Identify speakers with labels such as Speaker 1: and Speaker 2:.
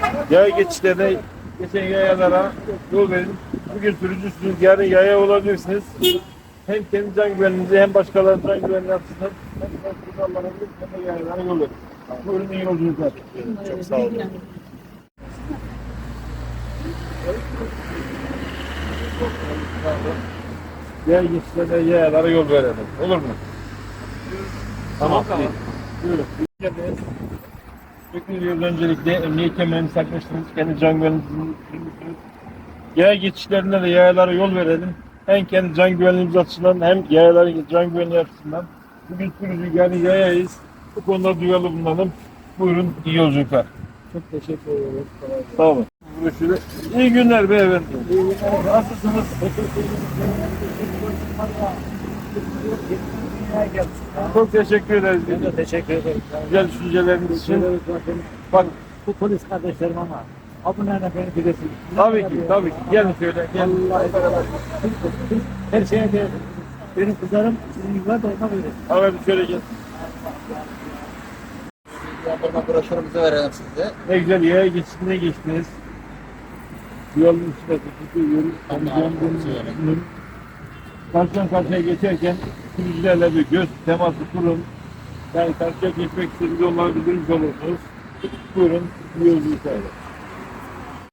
Speaker 1: Yaya geçişlerine, geçen yayalara yol verin. Bugün sürücüsünüz, yarın yaya olabilirsiniz. Hem kendi can güvenliğinizi hem başkalarının can güvenliğini açısından hem de kurallarınızı hem de yayalara yol verin. Buyurun, iyi yolculuklar. Çok sağ olun. Yaya geçişlerine, yayalara yol verelim. Olur mu? Tamam. Buyurun. Geldiniz. Bekliyoruz öncelikle. Emniyet kemerinizi takmışsınız. Kendi can güvenliğinizi düşünmüşsünüz. Yaya geçişlerinde de yayalara yol verelim. Hem kendi can güvenliğimiz açısından hem yayaların can güvenliği açısından. Bugün sürücü yani yayayız. Bu konuda duyarlı bulunalım. Buyurun, iyi yolculuklar.
Speaker 2: Çok teşekkür ederim.
Speaker 1: Sağ olun. Görüşürüz. İyi günler beyefendi. İyi günler. Nasılsınız? Çok teşekkür ederiz.
Speaker 2: Ben de teşekkür ederim.
Speaker 1: Güzel düşünceleriniz için. Bak,
Speaker 2: Bu polis kardeşlerim ama abunlarla beni bilesin.
Speaker 1: tabii ki, tabii ki. Gelin şöyle, gelin.
Speaker 2: Her şeye de benim kızlarım sizin yıllar da olmak üzere.
Speaker 1: Abi şöyle gel.
Speaker 3: Yandırma broşürümüzü verelim size.
Speaker 1: Ne güzel yaya geçişine geçtiniz. Yolun üstüne tutuyoruz. Karşıdan karşıya geçerken sürücülerle bir göz teması kurun. Yani karşıya geçmek istediğiniz onları bildirmiş olursunuz. Buyurun, iyi yolculuklar.